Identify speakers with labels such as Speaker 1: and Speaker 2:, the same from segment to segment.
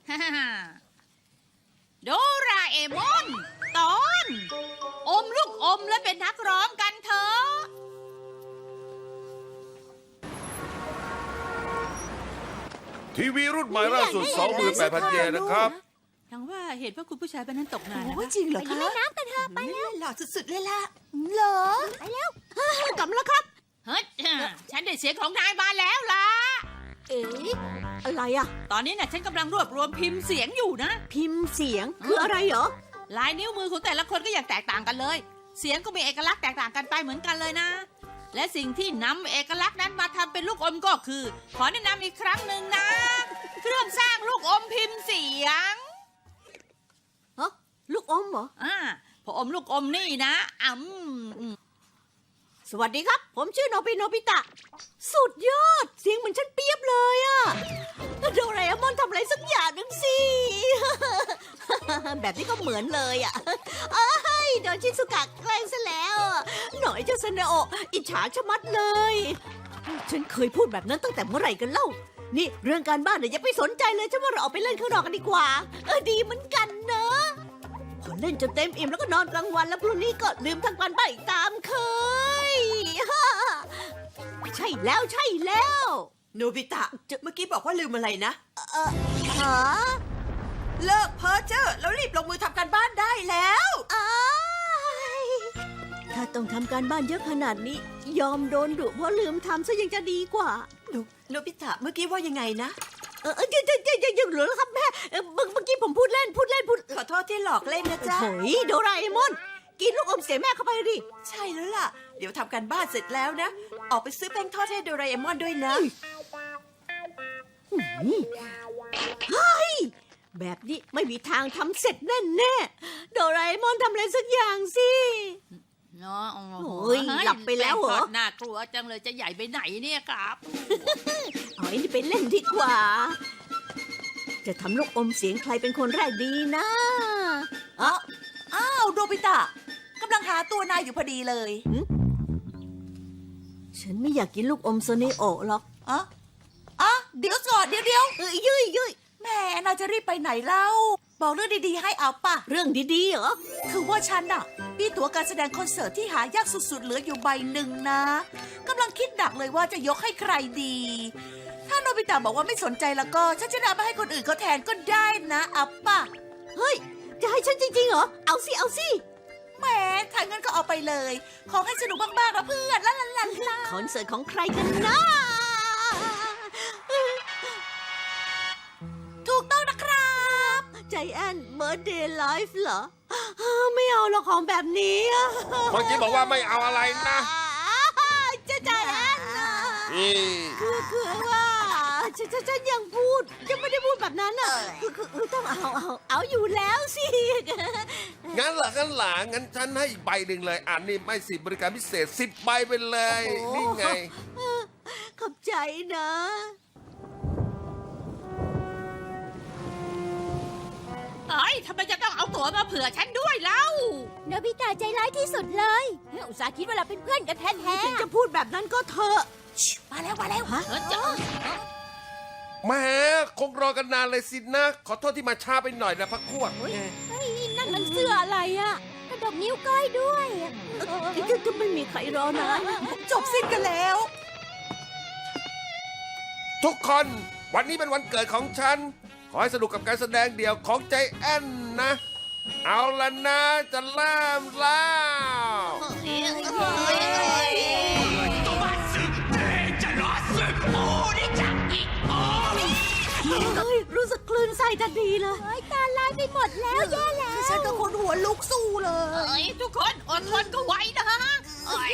Speaker 1: โดราเอมอนตอนอมลูกอมและเป็นนักร้องกันเถอะ
Speaker 2: ทีวีรุ่นใหม่ล่าสุด 28,000 เยนนะครับ
Speaker 1: ทั้งว่าเหตุว่าคุณผู้ชายเป็นนั้นตกงานนะ
Speaker 3: โอ้
Speaker 1: คะ
Speaker 3: จริงเหรอคะ
Speaker 4: ไปเล่นน้ำกันเถอะไป
Speaker 3: เล่นหล่อสุดๆเลยล่ะ
Speaker 4: เหรอไปแล้ว
Speaker 3: กลับแล้วครับ
Speaker 1: เฮ้ยฉันได้เสียงของนายมาแล้วล่ะ
Speaker 4: เอ๋อะไรอะ
Speaker 1: ตอนนี้น่ะฉันกำลังรวบรวมพิมพ์เสียงอยู่นะ
Speaker 4: พิมพ์เสียงคืออะไรเหรอ
Speaker 1: ลายนิ้วมือของแต่ละคนก็อย่างแตกต่างกันเลย เสียงก็มีเอกลักษณ์แตกต่างกันไปเหมือนกันเลยนะ และสิ่งที่นำเอกลักษณ์นั้นมาทำเป็นลูกอมก็คือ ขอแนะนำอีกครั้งหนึ่งนะ เครื่องสร้างลูกอมพิมพ์เสียง
Speaker 4: ฮะลูกอมเหรอ
Speaker 1: พออมลูกอมนี่นะ
Speaker 4: สวัสดีครับ ผมชื่อโนบิตะ สุดยอด เสียงเหมือนฉันเปียบเลยอะโดราเอมอนทำอะไรสักอย่างหนึ่งสิ แบบนี้ก็เหมือนเลยอะเอ้ยโดนชิซุกะแกล้งซะแล้วอะหน่อยเจ้าซาเนโอะอิจฉาชะมัดเลย ฉันเคยพูดแบบนั้นตั้งแต่เมื่อไหร่กันเล่า นี่เรื่องการบ้านเนี่ยอย่าไปสนใจเลยฉันว่าเราออกไปเล่นข้างนอกกันดีกว่า ดีเหมือนกันเนอะพอเล่นจนเต็มอิ่มแล้วก็นอนกลางวันแล้วพรุ่งนี้ก็ลืมทั้งวันไปอีกตามเคย ใช่แล้วใช่แล้ว
Speaker 3: โนบิตะเมื่อกี้บอกว่าลืมอะไรนะ
Speaker 4: หา
Speaker 3: เลิกเพ้อเจ้อแล้วรีบลงมือทำการบ้านได้แล้ว
Speaker 4: อ้ายถ้าต้องทำการบ้านเยอะขนาดนี้ ยอมโดนดุเพราะลืมทำซะยังจะดีกว่า
Speaker 3: โนบิตะเมื่อกี้ว่ายังไงนะ
Speaker 4: ยังเหลือแล้วครับแม่เมื่อกี้ผมพูดเล่น
Speaker 3: ขอโทษที่หลอกเล่นนะจ๊ะ
Speaker 4: โอ้ยโดราเอมอน กินลูกอมเสียแม่เข้าไปดิ
Speaker 3: ใช่แล้วล่ะ เดี๋ยวทำการบ้านเสร็จแล้วนะ ออกไปซื้อแป้งทอดให้โดราเอมอนด้วยนะ
Speaker 4: แบบนี้ไม่มีทางทำเสร็จแน่ๆโดราเอมอนทำอะไรสักอย่างสิ
Speaker 1: เนาะ
Speaker 4: โอ้ยหลับไปแล้วเหรอ
Speaker 1: แป้งทอดน่ากลัวจังเลยจะใหญ่ไปไหนเนี่ยครับ
Speaker 4: เอาไอ้นี่ไปเล่นดีกว่า จะทำลูกอมเสียงใครเป็นคนแรกดีนะ
Speaker 3: อ้าวโนบิตะกำลังหาตัวนายอยู่พอดีเลย
Speaker 4: ฉันไม่อยากกินลูกอมโซเนโอะหรอก
Speaker 3: อ่ะเดี๋ยวก่อนเดี๋ยว
Speaker 4: ยุ้ย
Speaker 3: แหม่นายจะรีบไปไหนเล่า บอกเรื่องดีๆให้เอาป่ะ
Speaker 4: เรื่องดีๆเหรอ
Speaker 3: คือว่าฉันน่ะมีตั๋วการแสดงคอนเสิร์ตที่หายากสุดๆเหลืออยู่ใบหนึ่งนะกำลังคิดหนักเลยว่าจะยกให้ใครดี ถ้าโนบิตะบอกว่าไม่สนใจแล้วก็ฉันจะนำไปให้คนอื่นเขาแทนก็ได้นะเอาป่ะ
Speaker 4: เฮ้ย จะให้ฉันจริงๆเหรอ เอาสิ
Speaker 3: แหมถ้างั้นก็เอาไปเลย ขอให้สนุกมากๆนะเพื่อนลา
Speaker 4: คอนเสิร์ตของใครกันนะ
Speaker 3: ถูกต้องนะครับ
Speaker 4: ใจแอนเบิร์ดเดย์ไลฟ์เหรอ ไม่เอาหรอกของแบบนี้อะ
Speaker 2: เมื่อกี้บอกว่าไม่เอาอะไรนะ
Speaker 4: จะใจแอนนะ
Speaker 2: นี่
Speaker 4: คือว่าฉันยังพูดยังไม่ได้พูดแบบนั้นอ่ะคือต้องเอาอยู่แล้วสิ
Speaker 2: งั้นเหรองั้นฉันให้อีกใบหนึ่งเลยอ่านนี่ไม่สิบริการพิเศษ10 ใบไปเลย นี่ไง
Speaker 4: ขอบใจนะ
Speaker 1: เอ้ยทำไมจะต้องเอาตั๋วมาเผื่อฉันด้วยเล่า
Speaker 4: โนบิตะใจร้ายที่สุดเลยอุตส่าห์คิดว่าเราเป็นเพื่อนกันแท้ๆถึงจะพูดแบบนั้นก็เถอะ
Speaker 3: มาแล้ว
Speaker 4: ฮะ
Speaker 2: แหม่คงรอกันนานเลยสินะ ขอโทษที่มาช้าไปหน่อยนะพักพวก
Speaker 4: นั่นมันเสื้ออะไรอ่ะกระดกนิ้วก้อยด้วยจะไม่มีใครรอนาน
Speaker 3: จบสิ้นกันแล้ว
Speaker 2: ทุกคนวันนี้เป็นวันเกิดของฉัน ขอให้สนุกกับการแสดงเดี่ยวของใจแอนนะ เอาละนะจะเริ่มแล้ว
Speaker 4: เฮ้ยรู้สึกคลื่นไส้ทันทีเลยตาลายไปหมดแล้วแย่แล้ว
Speaker 3: ฉันก็คนหัวลุกสู้เลย
Speaker 1: ทุกคนอดทนก็ไว้นะเอ้ย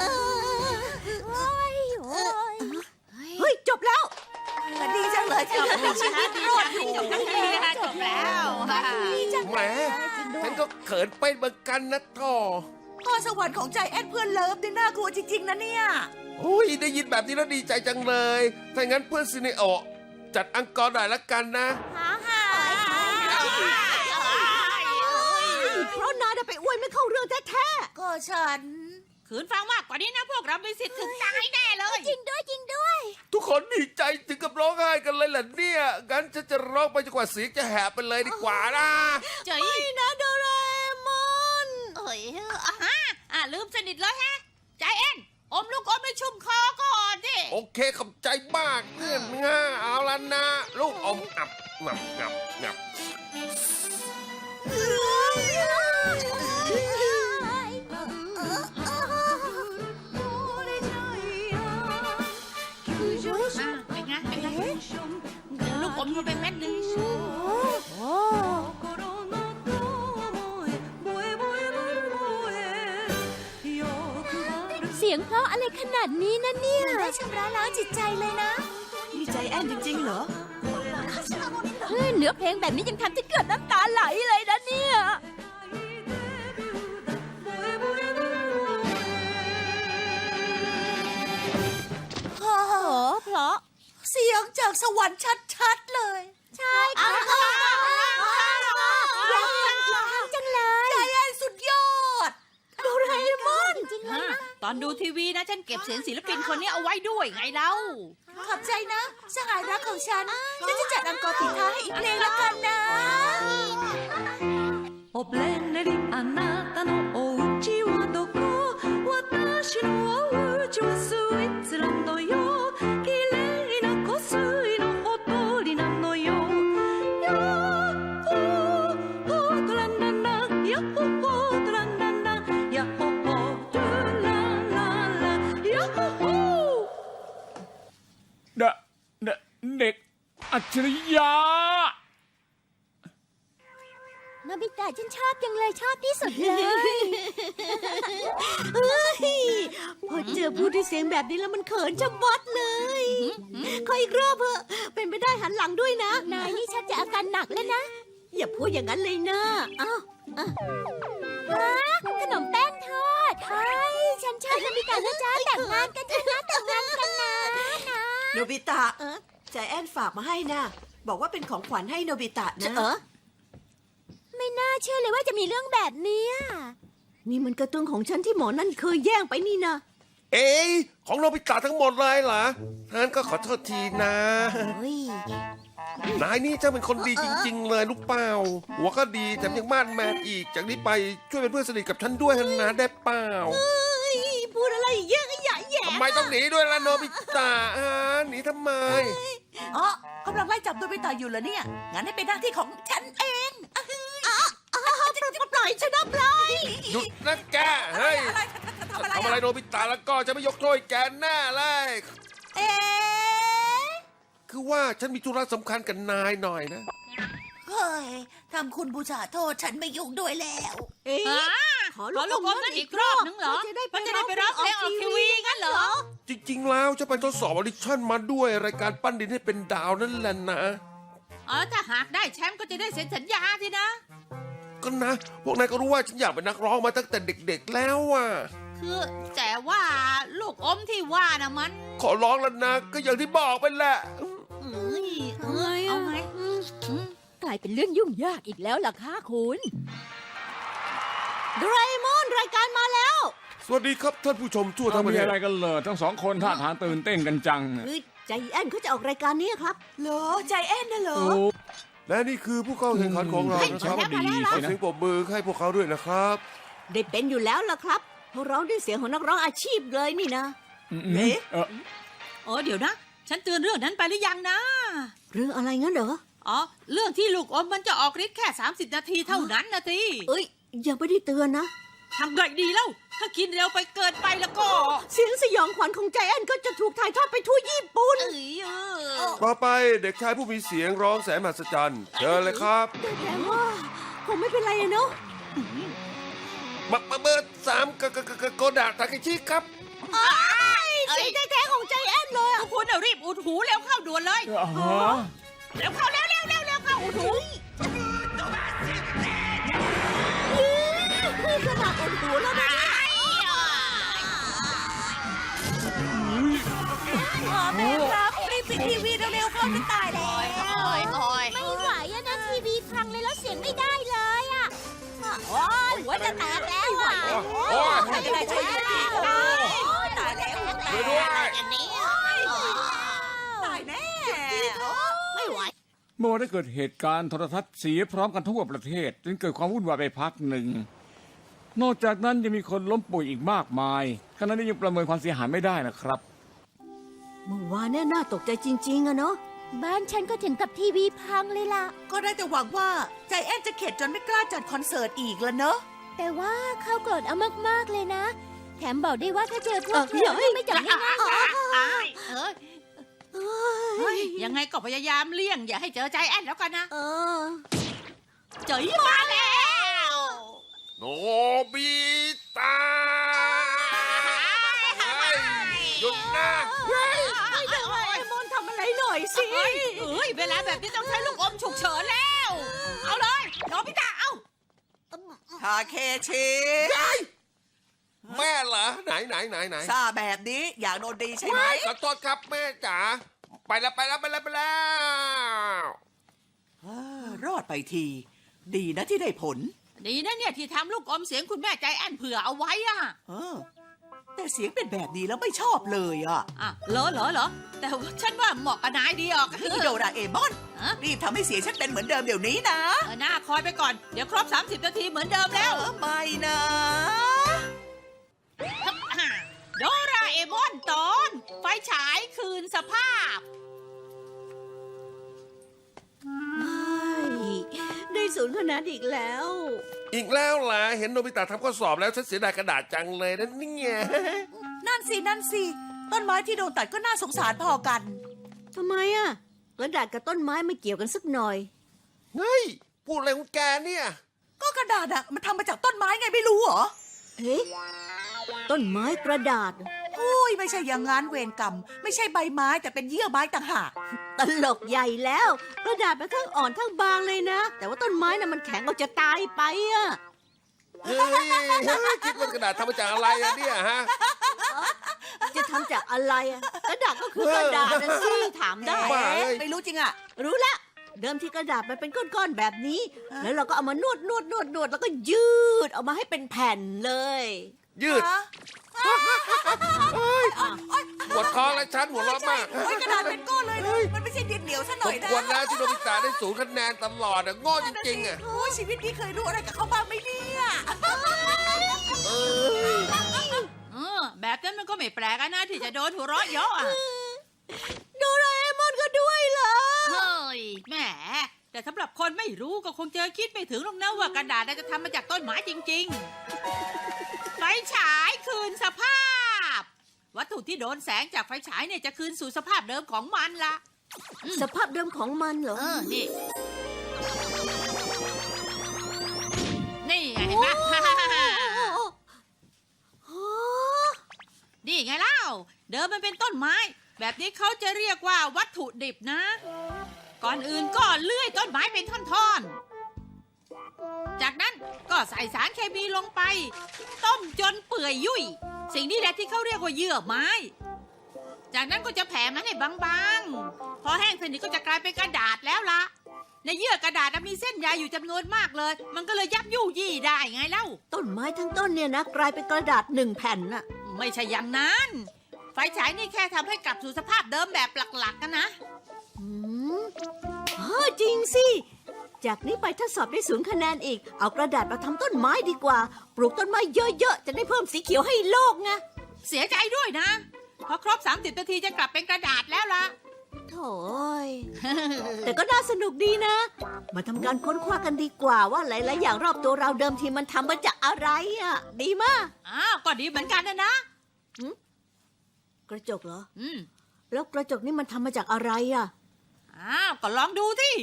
Speaker 4: เฮ้ยจบแล้ว
Speaker 3: ดีจังเลยที่ยังมีชีวิตรอดอยู่
Speaker 1: จบทั้งทีนะคะจบแล้ว
Speaker 2: แหมฉันก็เขินไปเหมือนกันนะท่อ
Speaker 3: พรสวรรค์ของใจแอนเพื่อนเลิฟนี่น่ากลัวจริงๆนะเนี่ย
Speaker 2: โอ้ยได้ยินแบบนี้แล้วดีใจจังเลย ถ้างั้นเพื่อนซินิโอจัดอังกอร์หน่อยละกันนะ
Speaker 4: เพราะนายไปอวยไม่เข้าเรื่องแท้
Speaker 3: ก็ฉัน
Speaker 1: ขืนฟังมากกว่านี้นะพวกเรามีสิทธิ์ถึงตายแน่เลย
Speaker 4: ๆจริงด้วย
Speaker 2: ทุกคนดีใจถึงกับร้องไห้กันเลยล่ะเนี่ยงั้นฉันจะร้องไปจนกว่าเสียงจะแหบไปเลยดีกว่านะ
Speaker 1: เจ๋ย
Speaker 4: ไม่นะโดราเอมอน
Speaker 1: เอ้ยลืมสนิทเลยแฮะใจเอ็นอมลูกอมให้ชุ่มคอก่อนดิ
Speaker 2: โอเคขอบใจมากเพื่อนง่าเอาละนะ ลูกอมงับ
Speaker 1: เป็นไงลูกอมมันเป็นเม็ดนึง
Speaker 4: เสียงเพราะอะไรขนาดนี้นะเนี่ย
Speaker 3: ได้ชำระล้างจิตใจเลยนะ
Speaker 5: มีใจแอนจริงๆเหรอ
Speaker 4: เนื้อเพลงแบบนี้ยังทำจะเกิดน้ำตาไหลเลยนะเนี่ย
Speaker 3: โอ้โห
Speaker 4: เพราะ
Speaker 3: เสียงจากสวรรค์ชัดๆเลย
Speaker 4: ใช่ค่ะอยากฟังอีกครั้งจังเลย
Speaker 3: ใจแอนสุดยอด
Speaker 4: โดราเอมอนจริงๆเลย
Speaker 1: ตอนดูทีวีนะฉันเก็บเสียงศิลปินคนนี้เอาไว้ด้วยไงเล่า
Speaker 3: ขอบใจนะสหายรักของฉันจะจัดอังกอร์ปิดท้ายให้อีกเพลงละกันนะ
Speaker 5: おプレネリあなたのお家はどこ私のお家はスイーツランドよ綺麗な湖水のほとりなのよヤッホーホートランランランヤッホーホートランランランヤッホーホートランランランヤッホーホー
Speaker 6: เด็กอัจฉริยะ
Speaker 4: โนบิตะฉันชอบจังเลยชอบที่สุดเลยเฮ้ยพอเจอพูดด้วยเสียงแบบนี้แล้วมันเขินจะมัดเลยขออีกรอบเถอะเป็นไปได้หันหลังด้วยนะ นายนี่ชักจะอาการหนักแล้วนะ อย่าพูดอย่างนั้นเลยนะอ้าวขนมแป้งทอดเฮ้ยฉันชอบโนบิตะนะจ๊ะแต่งงานกันนะแต่งงานกันนะ
Speaker 5: โนบิตะใจแอนฝากมาให้นะบอกว่าเป็นของขวัญให้โนบิตะนะ
Speaker 4: ไม่น่าเชื่อเลยว่าจะมีเรื่องแบบนี้นี่มันกระตุ้งของฉันที่หมอนั่นเคยแย่งไปนี่นะ
Speaker 2: เอ๊ะของโนบิตะทั้งหมดเลยเหรองั้นก็ขอโทษทีนะ นายนี่เจ้าเป็นคนดีจริงๆเลยลูกเปล่าหัวก็ดีแถมยังมาดแมนอีกจากนี้ไปช่วยเป็นเพื่อนสนิทกับฉันด้วยนะได้เปล่า
Speaker 4: พูดอะไรเยอะแยะแย่
Speaker 2: ทำไมต้องหนีด้วยล่ะโนบิตะหนีทำไม
Speaker 3: อ๋อกำลังไล่จับโนบิตะอยู่เหรอเนี่ย งั้นให้เป็นหน้าที่ของฉันเอง
Speaker 4: ปล่อยฉันนะปล่อย
Speaker 2: หยุดนะแกเฮ้ย
Speaker 3: ทำอะไร
Speaker 2: ทำอะไรโนบิตะแล้วก็จะไม่ยกโทษให้แกแน่เลย
Speaker 3: เอ๊ะ
Speaker 2: คือว่าฉันมีธุระสำคัญกับนายหน่อยนะ
Speaker 3: เฮ้ยทำคุณบูชาโทษฉันไม่ยุ่งด้วยแล้ว
Speaker 4: เอ๊ะ
Speaker 1: ขอลูกอมนั่นอีกรอบนึงเหรอมันจะได้ไปร้องเพลงออกทีวีงั้นเหรอ
Speaker 2: จริงๆแล้วจะไปทดสอบออดิชั่นมาด้วยรายการปั้นดินให้เป็นดาวนั่นแหละนะ
Speaker 1: ถ้าหากได้แชมป์ก็จะได้เซ็นสัญญาสินะ
Speaker 2: ก็นะ พวกนายก็รู้ว่าฉันอยากเป็นนักร้องมาตั้งแต่เด็กๆแล้วอ่ะ
Speaker 1: คือแต่ว่าลูกอมที่ว่านะมัน
Speaker 2: ขอร้องแล้วนะก็อย่างที่บอกไปแหละ
Speaker 1: เอาไง
Speaker 4: กลายเป็นเรื่องยุ่งยากอีกแล้วล่ะค่ะคุณโดราเอมอนรายการมาแล้ว
Speaker 2: สวัสดีครับท่านผู้ชมทั่วทั้งประ
Speaker 6: มี
Speaker 2: เทศ
Speaker 6: อะไรกันเลยทั้งสองคนท่าทางตื่นเต้นกันจัง
Speaker 4: คือใจแอนเขาจะออกรายการนี้ครับ
Speaker 5: เหรอใจแอนน่ะเหรอ
Speaker 6: โอ้
Speaker 2: และนี่คือผู้เข้าแข่งขันของเรา
Speaker 6: เฮ้ย
Speaker 2: นะครับ
Speaker 6: ฉันว่าดี
Speaker 2: ขอ
Speaker 6: สินะ
Speaker 2: เสียงปรบมือให้พวกเขาด้วยนะครับ
Speaker 4: ได้เป็นอยู่แล้วล่ะครับเพราะร้องด้วยเสียงของนักร้องอาชีพเลยนี่นะ
Speaker 5: เอ๊ะ
Speaker 1: เดี๋ยวนะ ฉันเตือนเรื่องนั้นไปหรือยังนะ
Speaker 4: เรื่องอะไรงั้นเหรอ
Speaker 1: เรื่องที่ลูกอมมันจะออกฤทธิ์แค่30 นาทีเท่านั้นนะที
Speaker 4: เอ้ยยังไม่ได้เตือนนะ
Speaker 1: ทำไงดีแล้ว ถ้ากินเร็วไปเกินไปแล้วก็
Speaker 4: เสียงสยองขวัญของใจแอนก็จะถูกถ่ายทอดไปทั่วญี่ปุ่น
Speaker 2: ต่อไปเด็กชายผู้มีเสียงร้องแสนมหัศจรรย์เชิญเลยครับ
Speaker 4: แต่ว่าคงไม่เป็นไรอะเนาะ
Speaker 2: มาเบอร์3โกดะทาเคชิครับ
Speaker 4: เสียงแท้ๆของใจแอนเลยอะ
Speaker 1: คุณรีบอุดหูเร็วเข้าด่วนเลย เร็วเข้าเร็วเข้าอุดหู
Speaker 4: ขนาดอุดหูแล้วนะ
Speaker 3: แม่ครับรีบปิดทีวีเร็วๆเข้าจะตายแล้ว
Speaker 4: ไม่ไหวอะนะทีวีพังเลยแล้วเสียงไม่ได้เลยอะโอ้ยหัวจะแตกแล้วอะ
Speaker 2: โอ้ย
Speaker 3: ใครจะได้ช่วยทีวีก็ได้ตายแล้ว
Speaker 2: ช่วยด้วย
Speaker 3: อย่างนี้
Speaker 6: เมื่อได้เกิดเหตุการณ์โทรทัศน์เสียพร้อมกันทั่วประเทศจนเกิดความวุ่นวายไปพักหนึ่ง นอกจากนั้นยังมีคนล้มป่วยอีกมากมายขณะนี้ยังประเมินความเสียหายไม่ได้นะครับ
Speaker 4: เมื่อวานเนี่ยน่าตกใจจริงๆอะเนาะ
Speaker 7: บ้านฉันก็ถึงกับทีวีพังเลยล่ะ
Speaker 3: ก็ได้แต่หวังว่าใจแอนจะเข็ดจนไม่กล้าจัดคอนเสิร์ตอีกแล้วเนอะ
Speaker 7: แต่ว่าเขาโกรธเอามากๆเลยนะ แถมบอกได้ว่าถ้าเจอพวก
Speaker 4: เดี๋ยว
Speaker 7: ไม่จับง่าย
Speaker 1: เฮ้ยยังไงก็พยายามเลี่ยงอย่าให้เจอใจแอนแล้วกันนะ
Speaker 4: เออ
Speaker 1: เจอมาแล้ว
Speaker 2: โนบิตะเฮ้ยหยุดนะ
Speaker 4: ไอ้มอนทำอะไรหน่อยสิ
Speaker 1: เฮ้ยเวลาแบบนี้ต้องใช้ลูกอมฉุกเฉินแล้ว เอาเลยโนบิตะเอา
Speaker 3: ทาเคชิ
Speaker 2: แม่เหรอไหน
Speaker 3: ซาแบบนี้อยากโดนดีใช่ไหม
Speaker 2: ขอโทษครับแม่จ๋าไปแล้ว
Speaker 3: รอดไปที ดีนะที่ได้ผล
Speaker 1: ดีนะเนี่ยที่ทำลูกอมเสียงคุณแม่ใจแอนเผื่อเอาไว้อะ
Speaker 3: เออ แต่เสียงเป็นแบบนี้แล้วไม่ชอบเลยอ่ะ
Speaker 1: อ่ะเหรอแต่ว่าฉันว่าเหมาะกับนายดีออก
Speaker 3: นี่โดราเอมอน
Speaker 1: ฮะ
Speaker 3: รีบทำให้เสียงฉันเป็นเหมือนเดิมเดี๋ยวนี้นะ
Speaker 1: หน้าคอยไปก่อน เดี๋ยวครบ 30 นาทีเหมือนเดิมแล้ว
Speaker 3: ไม่นะ
Speaker 1: โดราเอมอนตอนไฟฉายคืนสภาพ
Speaker 4: ได้ศูนย์คะแนนอีกแล้ว
Speaker 2: อีกแล้วล่ะเห็นโนบิตะทำข้อสอบแล้วฉันเสียดายกระดาษจังเลยนะเนี่ย
Speaker 3: นั่นสิต้นไม้ที่โดนตัดก็น่าสงสารพอกัน
Speaker 4: ทำไมอะกระดาษกับต้นไม้ไม่เกี่ยวกันสักหน่อย
Speaker 2: เฮ้ยพูดอะไรของแกเนี่ย
Speaker 3: ก็กระดาษอะมันทำมาจากต้นไม้ไงไม่รู้เหรอ
Speaker 4: เฮ้ยต้นไม้กระดาษ
Speaker 3: อุ้ยไม่ใช่อย่างงั้นเวรกรรม ไม่ใช่ใบไม้แต่เป็นเยื่อไม้ต่างหาก
Speaker 4: ตลกใหญ่แล้ว กระดาษมันทั้งอ่อนทั้งบางเลยนะ แต่ว่าต้นไม้น่ะมันแข็งเอาจะตายไปอะ
Speaker 2: เฮ้ยคิดว่ากระดาษทำมาจากอะไรอะเนี่ยฮะ
Speaker 4: จะทำจากอะไรอะกระดาษก็คือกระดาษนะสิถามได้
Speaker 2: บ้าเอ้ย
Speaker 3: ไม่รู้จริงอะ
Speaker 4: รู้ละเดิมทีกระดาษมันเป็นก้อนๆแบบนี้ แล้วเราก็เอามานวดแล้วก็ยืดออกมาให้เป็นแผ่นเลย
Speaker 2: ยืด
Speaker 3: ฮะ
Speaker 2: ปวดคอและฉันหัวเราะมาก
Speaker 3: โอ้ยกระดาษเป็นก้อนเลยนะมันไม่ใช่ดินเหนียวซะห
Speaker 2: ส
Speaker 3: น่อ
Speaker 2: ม
Speaker 3: ยนะ
Speaker 2: ควรแล้วที่โนบิตะได้ศูนย์คะแนนตลอดอะโง่จริงๆอะ
Speaker 3: โอ้ยชีวิตนี้เคยรู้อะไรกับเขาบ้างไหมเนี่ย
Speaker 1: แบบนั้นมันก็ไม่แปลกอะนะที่จะโดนหัวเราะเยาะอะ
Speaker 4: โดราเอมอนก็ด้วยเหรอ
Speaker 1: เฮ้ยแหมแต่สำหรับคนไม่รู้ก็คงจะคิดไม่ถึงหรอกนะว่ากระดาษน่าจะทำมาจากต้นไม้จริงๆ ไฟฉายคืนสภาพ วัตถุที่โดนแสงจากไฟฉายเนี่ยจะคืนสู่สภาพเดิมของมันละ
Speaker 4: สภาพเดิมของมันเหรอ
Speaker 1: นี่ นี่ไงเห็นไหม นี่ไงเล่า เดิมมันเป็นต้นไม้ แบบนี้เขาจะเรียกว่าวัตถุดิบนะ ก่อนอื่นก็เลื่อยต้นไม้เป็นท่อนๆ จากนั้นก็ใส่สารเคมีลงไป ต้มจนเปื่อยยุ่ย สิ่งนี้แหละที่เขาเรียกว่าเยื่อไม้ จากนั้นก็จะแผ่มันให้บางๆ พอแห้งสนิทก็จะกลายเป็นกระดาษแล้วล่ะ ในเยื่อกระดาษมีเส้นใยอยู่จำนวนมากเลย มันก็เลยยับยู่ยี่ได้ไงเล่า
Speaker 4: ต้นไม้ทั้งต้นเนี่ยนะกลายเป็นกระดาษหนึ่งแผ่นน่ะ
Speaker 1: ไม่ใช่อย่างนั้น ไฟฉายนี่แค่ทำให้กลับสู่สภาพเดิมแบบหลักๆกันนะ
Speaker 4: อืมจริงสิ จากนี้ไปถ้าสอบได้ศูนย์คะแนนอีก เอากระดาษมาทำต้นไม้ดีกว่า ปลูกต้นไม้เยอะๆ จะได้เพิ่มสีเขียวให้โลกไง
Speaker 1: เสียใจด้วยนะ พอครบ 30 นาทีจะกลับเป็นกระดาษแล้วล่ะ
Speaker 4: โถ่ย แต่ก็น่าสนุกดีนะ มาทำการค้นคว้ากันดีกว่าว่าหลายๆอย่างรอบตัวเราเดิมทีมันทำมาจากอะไรอ่ะ ดีมาก
Speaker 1: อ้าว ก็ดีเหมือนกันนะ
Speaker 4: กระจกเหรอ
Speaker 1: อืม
Speaker 4: แล้วกระจกนี่มันทำมาจากอะไรอ่ะ
Speaker 1: อ้าว ก็ลองดูที่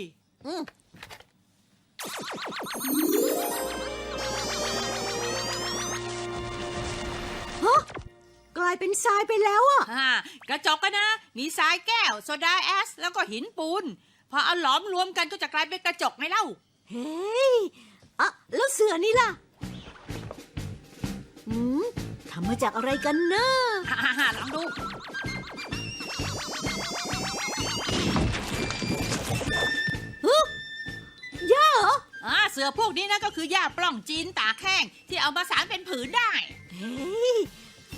Speaker 4: กลายเป็นทรายไปแล้วอ่ะ
Speaker 1: กระจกกันนะ มีทรายแก้ว โซดาแอส แล้วก็หินปูน พอเอาหลอมรวมกันก็จะกลายเป็นกระจกไงเล่า
Speaker 4: เฮ้ยอะแล้วเสือนี่ล่ะทำมาจากอะไรกันนะ
Speaker 1: ลองดู
Speaker 4: หญ้าเหรอ
Speaker 1: เสือพวกนี้นะก็คือหญ้าปล้องจีนตากแห้งที่เอามาสารเป็นผืนได้
Speaker 4: เฮ้ย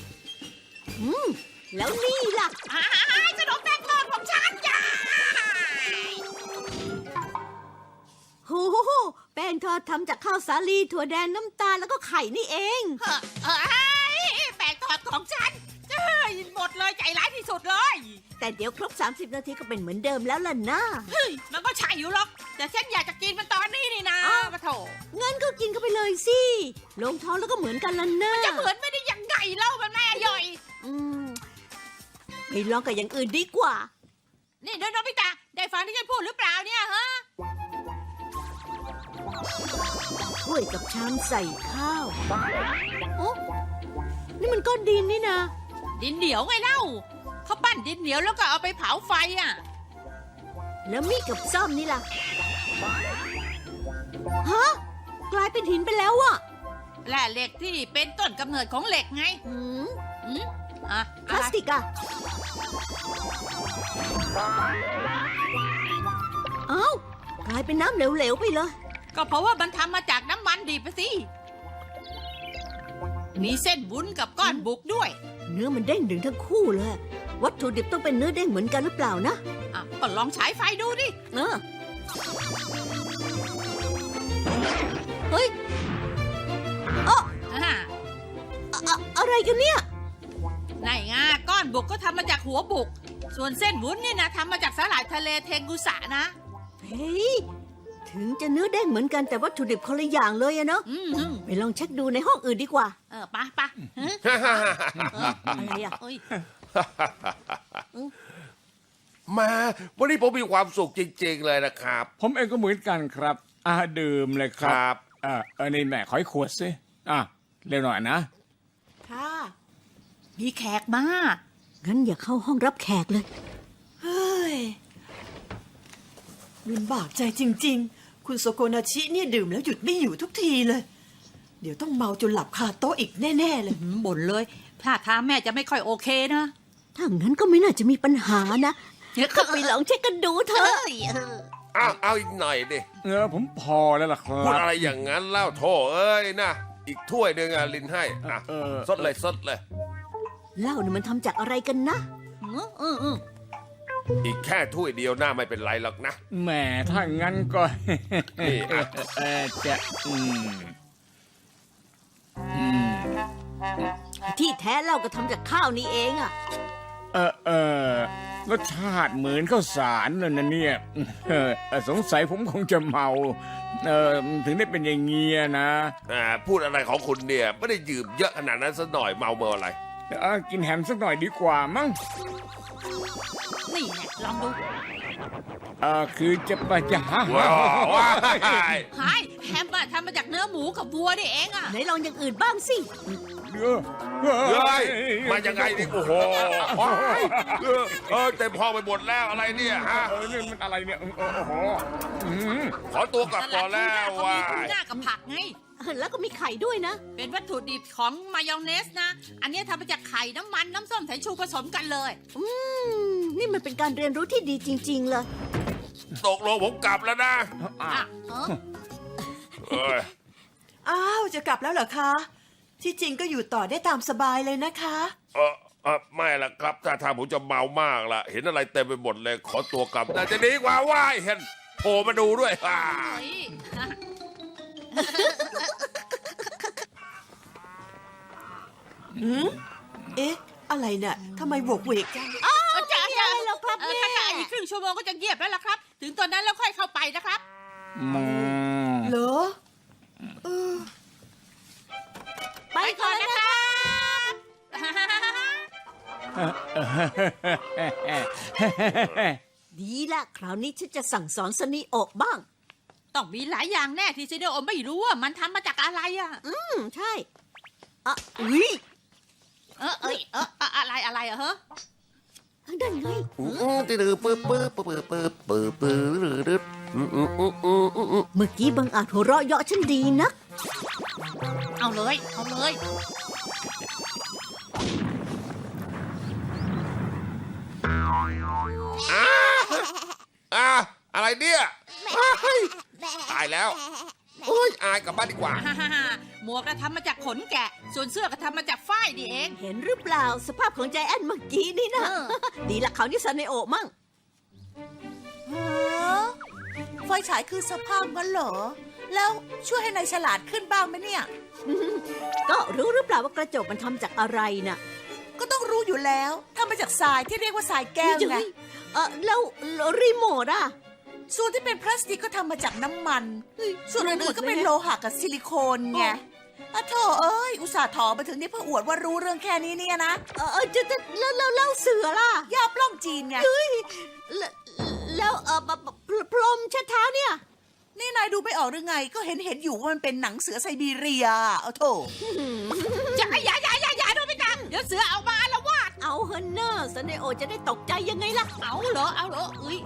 Speaker 4: แล้วนี่ล่ะ
Speaker 1: ขนมแป้งทอดของฉันจ้า
Speaker 4: โอ้โหแป้งทอดทำจากข้าวสาลีถั่วแดงน้ำตาลแล้วก็ไข่นี่เอง
Speaker 1: แปลงทอดของฉันหมดเลยใจร้ายที่สุดเลย
Speaker 4: แต่เดี๋ยวครบ 30 นาทีก็เป็นเหมือนเดิมแล้วล่ะนะ
Speaker 1: เฮ้ยมันก็ใช่อยู่หรอก แต่ฉันอยากจะกินมันตอนนี้นี่นะปะโถ
Speaker 4: งั้นก็กินเข้าไปเลยสิ ลงท้องแล้วก็เหมือนกันล่ะนะ
Speaker 1: จะเหมือนไม่ได้ยังไงเล่ามันไม่อร่อย
Speaker 4: อืมไปลองกับอย่างอื่นดีกว่า
Speaker 1: นี่โนบิตะได้ฟังที่ฉันพูดหรือเปล่าเนี่ยฮะ
Speaker 4: ถ้วยกับชามใส่ข้าวโอ้นี่มันก้อนดินนี่นะ
Speaker 1: ดินเหนียวไงเล่าเขาปั้นดินเหนียวแล้วก็เอาไปเผาไฟอ่ะ
Speaker 4: แล้วมีดกับซ่อมนี่ล่ะ ฮะ กลายเป็นหินไปแล้วอะ
Speaker 1: แร่เหล็กที่เป็นต้นกำเนิดของเหล็กไง
Speaker 4: หืม
Speaker 1: อืมอ่ะ
Speaker 4: พลาสติกอะเอ้ากลายเป็นน้ำเหลวๆไปเลย
Speaker 1: ก็เพราะว่ามันทำมาจากน้ำมันดิบสิ มีเส้นวุ้นกับก้อนบุกด้วย
Speaker 4: เนื้อมันเด้งดึงทั้งคู่เลย วัตถุดิบต้องเป็นเนื้อเด้งเหมือนกันหรือเปล่านะ
Speaker 1: อ่ะก็ลองฉายไฟดูดิ
Speaker 4: เออเฮ้ย
Speaker 1: อ่า
Speaker 4: อะไรกันเนี่ย
Speaker 1: ไหนไงก้อนบุกก็ทำมาจากหัวบุก ส่วนเส้นวุ้นเนี่ยนะทำมาจากสาหร่ายทะเลเทงกุสะนะ
Speaker 4: เฮ้ย ถึงจะเนื้อเด้งเหมือนกันแต่วัตถุดิบคนละอย่างเลยอะเนาะ
Speaker 1: อืม
Speaker 4: ไปลองเช็คดูในห้องอื่นดีกว่า
Speaker 1: ปะปะฮะ
Speaker 4: อะไรอะ
Speaker 1: เอ้ย
Speaker 2: มาวันนี้ผมมีความสุขจริงๆเลยนะครับ
Speaker 6: ผมเองก็เหมือนกันครับดื่มเลยค
Speaker 2: ค
Speaker 6: รั
Speaker 2: รับ
Speaker 6: นี่แม่ขอให้ขวดสิเร็วหน่อยนะ
Speaker 3: ค่ะ
Speaker 1: มีแขกมา
Speaker 4: งั้นอย่าเข้าห้องรับแขกเลย
Speaker 3: เฮ้ยลำบากใจจริง ๆ คุณโซโกนาชิเนี่ยดื่มแล้วหยุดไม่อยู่ทุกทีเลย เดี๋ยวต้องเมาจนหลับคาโต๊ะอีกแน่ ๆ เลย
Speaker 1: บ่นเลยท่าทางแม่จะไม่ค่อยโอเคนะ
Speaker 4: ถ้างั้นก็ไม่น่าจะมีปัญหานะก็ไปลองเช็คกันดูเถอะ
Speaker 2: เอาอีกหน่อยดิ
Speaker 6: ผมพอแล้วล่ะครั
Speaker 2: พูด
Speaker 6: บ
Speaker 2: อะไรอย่างนั้นเล่าโถเอ้ยนะ อีกถ้วยหนึ่งลินให้สดเลยสดเลย
Speaker 4: เหล้านี่มันทำจากอะไรกันนะ
Speaker 2: อีกแค่ถ้วยเดียวหน้าไม่เป็นไรหรอกนะ
Speaker 6: แหมถ้างั้นก็
Speaker 2: นี่อ่ะ
Speaker 6: จะ
Speaker 4: ที่แท้เหล้าก็ทำจากข้าวนี่เองอะ
Speaker 6: รสชาติเหมือนข้าวสารเลยนะเนี่ยสงสัยผมคงจะเมาถึงได้เป็นอย่างเงี้ยนะ
Speaker 2: พูดอะไรของคุณเนี่ยไม่ได้ยืมเยอะขนาดนั้นซะหน่อยเมาเมื่ออะไร
Speaker 6: กินแฮมสักหน่อยดีกว่ามั้ง
Speaker 1: นี่แน่ลองดู
Speaker 6: คือจะไปจะหา
Speaker 2: ว้าวว้าว
Speaker 1: หายแฮมอะทำมาจากเนื้อหมูกับวัวนี่เองอะ
Speaker 4: ไหนลองอย่างอื่นบ้างสิ
Speaker 2: เฮ้ยมายังไงนี่โอ้โหเต็มห้องไปหมดแล้วอะไรเนี่ยฮะ
Speaker 6: นี่มันอะไรเนี่ยโอ้โห
Speaker 2: ขอตัวกลับก่อนแล้ว
Speaker 1: เขา
Speaker 2: ว่า
Speaker 1: มีทูน่ากับผักไง
Speaker 4: แล้วก็มีไข่ด้วยนะ
Speaker 1: เป็นวัตถุดิบของมายองเนสนะ อันนี้ทำมาจากไข่น้ำมันน้ำส้มสายชูผสมกันเลย
Speaker 4: นี่มันเป็นการเรียนรู้ที่ดีจริง ๆ เลย
Speaker 2: ตกลงผมกลับแล้วนะ
Speaker 1: อ่ะ
Speaker 2: เอ้ย
Speaker 3: อ้าว จะกลับแล้วเหรอคะ ที่จริงก็อยู่ต่อได้ตามสบายเลยนะคะ
Speaker 2: ไม่ละครับถ้าทางผมจะเมามากละเห็นอะไรเต็มไปหมดเลยขอตัวกลับน่าจะดีกว่าว่ายเห็นโผล่มาดูด้วย
Speaker 1: เฮ้ย
Speaker 3: เอ๊ะ อะไรเนี่ยทำไมโหวกเวกจัง
Speaker 1: จ้าจ้า
Speaker 4: แล้วครับแม่
Speaker 1: ถ้าจะอีกครึ่งชั่วโมงก็จะเงียบแล้วล่ะครับ ถึงตอนนั้นแล้วค่อยเข้าไปนะครับ
Speaker 3: เหรอ
Speaker 4: ไปก่อนนะคะ ดีละคราวนี้ฉันจะสั่งสอนสนิโอะบ้าง
Speaker 1: ต้องมีหลายอย่างแน่ที่ซิเดโอไม่รู้ว่ามันทำมาจากอะไรอ่ะ
Speaker 4: ใช่อุ๊ย
Speaker 1: อะไรอะเฮ้อ
Speaker 4: ทางด้านไง เมื่อกี้บังอาจหัวเราะเยาะฉันดีนะ
Speaker 1: เอาเลยเอาเลย
Speaker 2: อะไรเนี่ยตายแล้วโอ้ยอายกลับบ้านดีกว่า
Speaker 1: หมวกก็ทำมาจากขนแกะ ส่วนเสื้อก็ทำมาจากฝ้ายนี่เอง
Speaker 4: เห็นหรือเปล่าสภาพของใจแอนเมื่อกี้นี่นะ ดีละเขาวนี่สนิโอะมั่ง
Speaker 3: ฮะไฟฉายคือสภาพงั้นเหรอ แล้วช่วยให้นายฉลาดขึ้นบ้างไหมเนี่ย
Speaker 4: ก็รู้หรือเปล่าว่ากระจกมันทำจากอะไรน่ะ
Speaker 3: ก็ต้องรู้อยู่แล้วทำมาจากทรายที่เรียกว่าทรายแก้วไง
Speaker 4: แล้วรีโมทอ่ะ
Speaker 3: ส่วนที่เป็นพลาสติกก็ทำมาจากน้ำมัน ส่วนอื่นๆก็เป็นโลหะกับซิลิโคนไงอะโถเอ้ย อุตส่าห์ถอมาถึงนี่เพื่ออวดว่ารู้เรื่องแค่นี้เนี่ยนะ
Speaker 4: แล้วเสือล่ะ
Speaker 3: ยาปล้องจีนไง
Speaker 4: แล้วพรมเช็ดเท้าเนี่ย
Speaker 3: นี่นายดูไม่ออกหรือไง ก็เห็นอยู่ว่ามันเป็นหนังเสือไซบีเรียเอาโถ
Speaker 1: อย่าโนบิตะเดี๋ยวเสือเอามาละวาด
Speaker 4: เอาเฮนเนอร์ซันเนโอจะได้ตกใจยังไงล่ะ
Speaker 1: เอาเหรอเอ้ย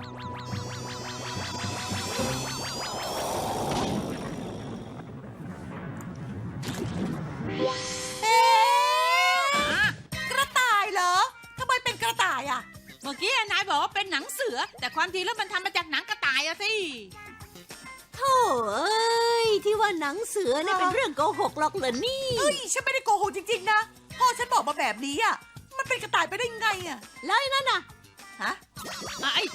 Speaker 3: เอ๊ะกระต่ายเหรอทำไมเป็นกระต่ายอ่ะ
Speaker 1: เมื่อกี้นายบอกว่าเป็นหนังเสือ แต่ความจริงแล้วมันทำมาจากหนังกระต่ายอะสิ
Speaker 4: โธ่เอ้ย ที่ว่าหนังเสือเนี่ยเป็นเรื่องโกหกหรอกเหรอนี่
Speaker 3: เฮ้ย ฉันไม่ได้โกหกจริงๆนะ พ่อฉันบอกมาแบบนี้อ่ะ มันเป็นกระต่ายไปได้ไงอ่ะ
Speaker 4: แล้วไอ้นั่นน่ะ
Speaker 3: ฮะ
Speaker 1: ไอ้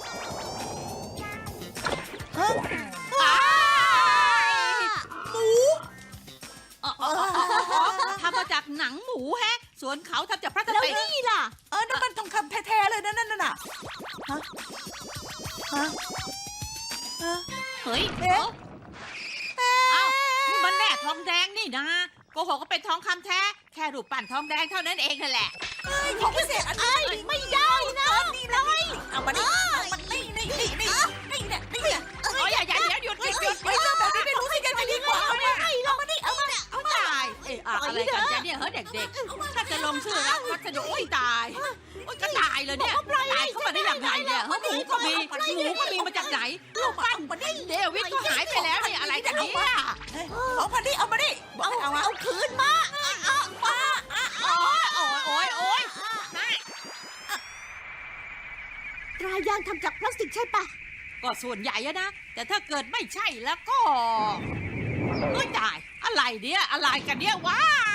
Speaker 3: ฮะ หมู
Speaker 1: ทำมาจากหนังหมูแฮะ ส่วนเขาทำจากพลาส
Speaker 4: แล้ว
Speaker 1: ติก
Speaker 4: นี่ล่ะ
Speaker 3: นั่นมันทองคำแท้ๆเลยนะนั่นน่ะ ฮะ ฮะ ฮะ
Speaker 1: เฮ้ย
Speaker 3: เอ๊ะ
Speaker 1: เอ้านี่มันแร่ทองแดงนี่นะโกหกก็เป็นทองคำแท้ แค่รูปปั้นทองแดงเท่านั้นเองนั่นแหละ
Speaker 3: ของพิเศษอันนี้ไม่ได้นะนี่เลยเอามานี่นี่เนี่ยนี่เนี่ย
Speaker 1: โอ้ยอย่าหยุด
Speaker 3: เฮ้ยเรื่องแบบนี้ไม่รู้สิกันจะดีกว่าเอามาเอามานี่เอามา
Speaker 1: เอาตายอะไรกันจ๊ะเนี่ยเฮ้ยเด็กๆถ้าจะลงชื่อรับวัสดุโอ้ยตายโอ้ยก็ตายเลยเนี่ยตายเข้ามาได้ยังไงเนี่ยเฮ้ยหมูก็มีมาจากไหนรูปปั้นเดวิดก็หายไปแล้วเนี่ยอะไรกันเนี่ย
Speaker 3: ของพันนี่เอามาดิเอามา
Speaker 4: เอาคืนมา
Speaker 1: โอ้ย
Speaker 4: ตรายางทำจากพลาสติกใช่ปะ
Speaker 1: ก็ส่วนใหญ่อะนะ แต่ถ้าเกิดไม่ใช่แล้วก็เฮ้ยตายอะไรเนี่ยอะไรกันเนี่ยว้า